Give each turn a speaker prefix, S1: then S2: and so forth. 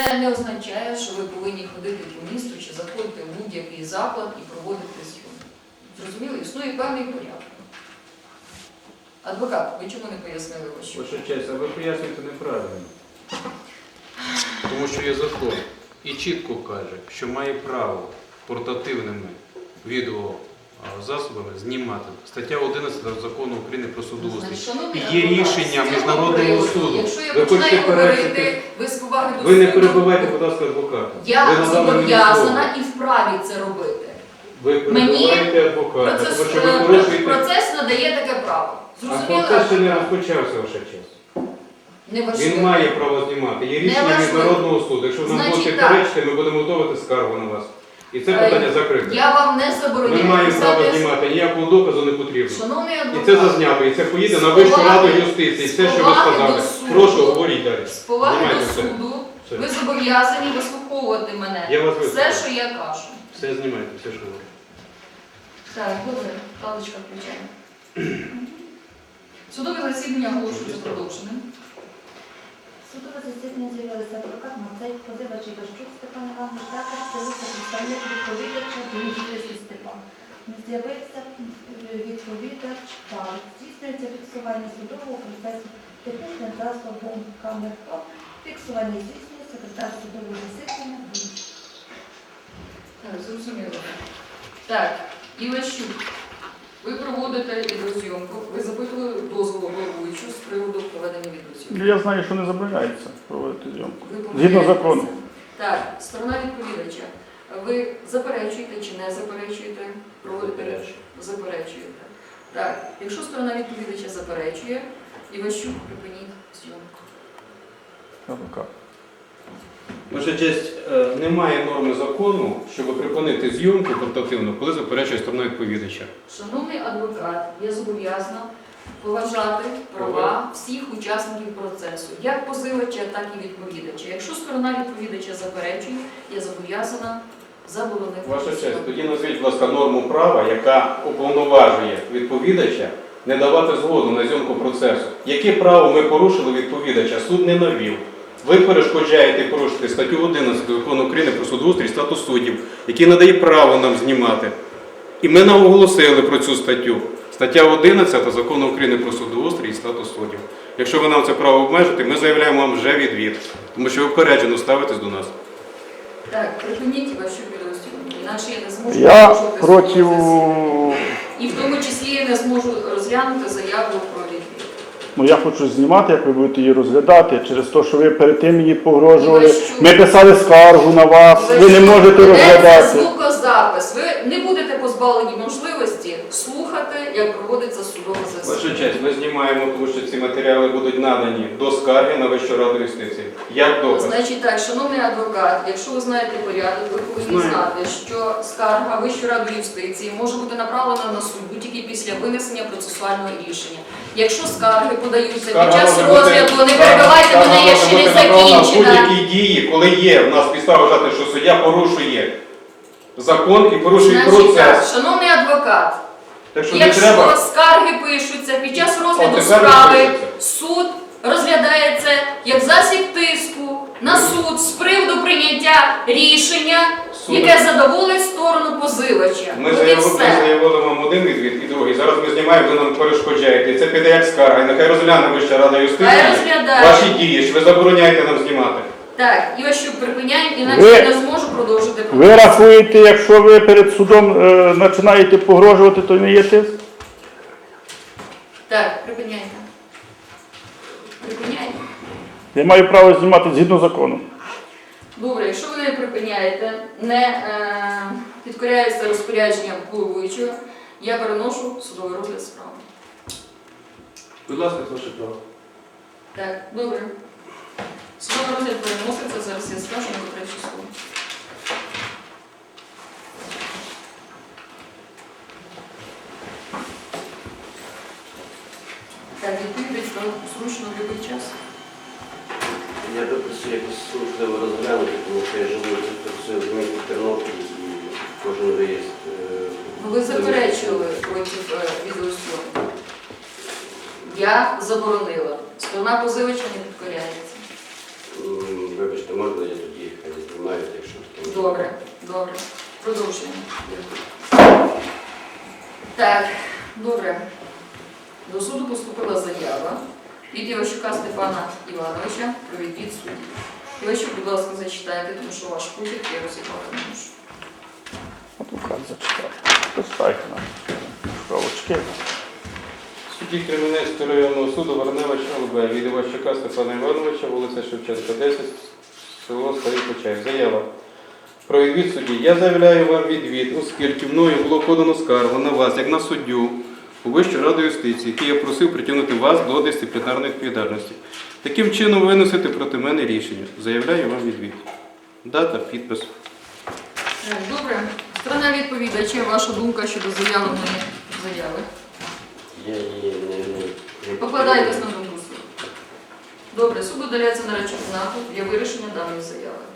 S1: Це не означає, що ви повинні ходити по місту чи заходити в будь-який заклад і проводити зйомку. Зрозуміло? Існує певний порядок. Адвокат, ви чому не пояснили вашу?
S2: Ваша честь, а ви пояснюєте неправильно. Тому що є закон і чітко каже, що має право портативними відеозасобами знімати. Стаття 11 Закону України про судоустрій. І є рішення Міжнародного суду.
S1: Якщо я
S2: Ви
S1: починаю
S2: хочете
S1: говорити, ви з поваги до
S2: Ви не
S1: суду,
S2: перебивайте, будь ласка, адвоката.
S1: я зобов'язана і вправі це робити.
S2: Ви перебиваєте адвоката, тому що ви порушуєте...
S1: Процес надає таке право.
S2: А
S1: Зрозуміло?
S2: процес ще не розпочався, ваша честь. Він має право знімати. Є рішення Міжнародного суду. Якщо нам будете перечити, ми будемо готувати скаргу на вас. І це питання закрите.
S1: Я вам не забороняю.
S2: Ми маємо право знімати, ніякого доказу не потрібно.
S1: Шановний адвокат,
S2: І це зазнято, і це поїде на Вищу раду юстиції. Все, що ви сказали. Прошу, говоріть далі.
S1: з поваги
S2: Знімайте
S1: до
S2: все.
S1: суду,
S2: Все.
S1: ви зобов'язані вислуховувати мене.
S2: Я вас
S1: Все,
S2: вислухаю.
S1: що я кажу.
S2: Все знімайте, все, що говорите.
S1: Так, добре, паличка включаємо. Судове засідання оголошується продовженим.
S3: Судове засідання з'явилися адвокат Мацей, позивач Іващук Степан Іванович, також з'явився представник відповідача Дмитрій Степан. Не з'явився відповідач Павло. Здійснюється фіксування судового процесу технічним засобом камер ФОП. Фіксування здійснює секретар судового засідання.
S1: Так, зрозуміло. Так, Іващук, ви проводите відеозйомку. Ви запитували дозволу головуючу з приводу проведення відеозйомки.
S4: Я знаю, що не забороняється проводити зйомку.
S1: Ви
S4: Згідно
S1: помиляєтеся.
S4: закону.
S1: Так, сторона відповідача. Ви заперечуєте чи не заперечуєте? Проводите? Заперечуєте. Так, якщо сторона відповідача заперечує, Іващук, припиніть зйомку.
S4: Адвокат.
S2: Ваша честь, немає норми закону, щоб припинити зйомку портативну, коли заперечує сторона відповідача.
S1: Шановний адвокат, я зобов'язана поважати права всіх учасників процесу, як позивача, так і відповідача. Якщо сторона відповідача заперечує, я зобов'язана заборонити.
S2: Ваша
S1: зйомку.
S2: честь, тоді назвіть, будь ласка, норму права, яка уповноважує відповідача не давати згоду на зйомку процесу. Яке право ми порушили відповідача? Суд не навів. Ви перешкоджаєте і порушуєте статтю 11 Закону України про судоустрій і статус суддів, який надає право нам знімати. І ми нам оголосили про цю статтю. Стаття 11 Закону України про судоустрій і статус суддів. Якщо ви нам це право обмежите, ми заявляємо вам вже відвід, тому що ви впереджено ставитесь до нас.
S1: Так, припиніть вашу відеозйомку, інакше я не зможу
S4: Я
S1: продовжувати
S4: проти...
S1: судове засідання. І в тому числі я не зможу розглянути заяву про відвід.
S4: Ну, я хочу знімати, як ви будете її розглядати, через те, що ви перед тим її погрожували.
S1: Іващук.
S4: Ми писали скаргу на вас, ви не можете
S1: Ведеться
S4: розглядати.
S1: звукозапис. Ви не будете позбавлені можливості слухати, як проводиться судове засідання.
S2: Ваша честь, ми знімаємо, тому що ці матеріали будуть надані до скарги на Вищу раду юстиції. Як доказ?
S1: Значить так, шановний адвокат, якщо ви знаєте порядок, ви повинні
S2: Знаю.
S1: знати, що скарга Вищої ради юстиції може бути направлена на суд тільки після винесення процесуального рішення. Якщо скарги подаються під час розгляду, не перебивайте мене, я ще не закінчена.
S2: Будь-які дії, коли є в нас підстава вважати, що суддя порушує закон і порушує
S1: Значить так,
S2: процес.
S1: шановний адвокат,
S2: Так що не
S1: якщо
S2: треба.
S1: скарги пишуться під час розгляду
S2: тепер
S1: справи,
S2: пишуться.
S1: суд розглядає це як засіб тиску на суд з приводу прийняття рішення,
S2: Суд.
S1: яке задоволить сторону позивача.
S2: Ми
S1: От і
S2: заявили вам один відвід і другий. Зараз ми знімаємо, ви нам перешкоджаєте. І це піде як скарга. І нехай розгляне Вища рада юстиції
S1: Хай розглядає.
S2: ваші дії, що ви забороняєте нам знімати.
S1: Так, Іващук, припиняємо, інакше
S4: Ви-
S1: я не зможу продовжити
S4: Ви
S1: процес.
S4: рахуєте, якщо ви перед судом починаєте погрожувати, то не є тиск?
S1: Так, припиняйте. Припиняйте.
S4: Я маю право знімати згідно закону.
S1: Добре, якщо ви не припиняєте, не підкоряєтеся розпорядженням головуючого, я переношу судовий розгляд справи.
S2: Будь ласка, ваше право.
S1: Так, добре. Судовий розгляд переноситься, зараз я скажу на котре число. Так, відповідь зручно в будь-який час.
S5: Я би просив якось служливо розглянути, тому що я живу в місті Тернопіль і кожен виїзд.
S1: Ви заперечували проти відеозйомки. Я заборонила. Сторона позивача не підкоряється.
S5: Вибачте, можна я тоді
S1: Добре, добре. Продовжуємо. Так, добре. До суду поступила заява від Іващука Степана Івановича про відвід судді. Іващук, будь ласка, зачитайте, тому що ваш почерк я розібрати не можу.
S4: Адвокат зачитає. Поставте нам шкалочки.
S2: Судді Кременецького районного суду Варневич ЛБ від Іващука Степана Івановича, вулиця Шевченка, 10, село Старий Почаїв. Заява. Про відвід судді. Я заявляю вам відвід, оскільки мною було подано скаргу на вас, як на суддю, у Вищу раду юстиції, який я просив притягнути вас до дисциплінарної відповідальності. Таким чином виносити проти мене рішення. Заявляю вам відвід. Дата, підпис.
S1: Так, добре. Сторона відповідача, ваша думка щодо заявленої заяви.
S5: Я її не
S1: Покладаєтесь на думку суду. Добре, суд удаляється на речову знаку для вирішення даної заяви.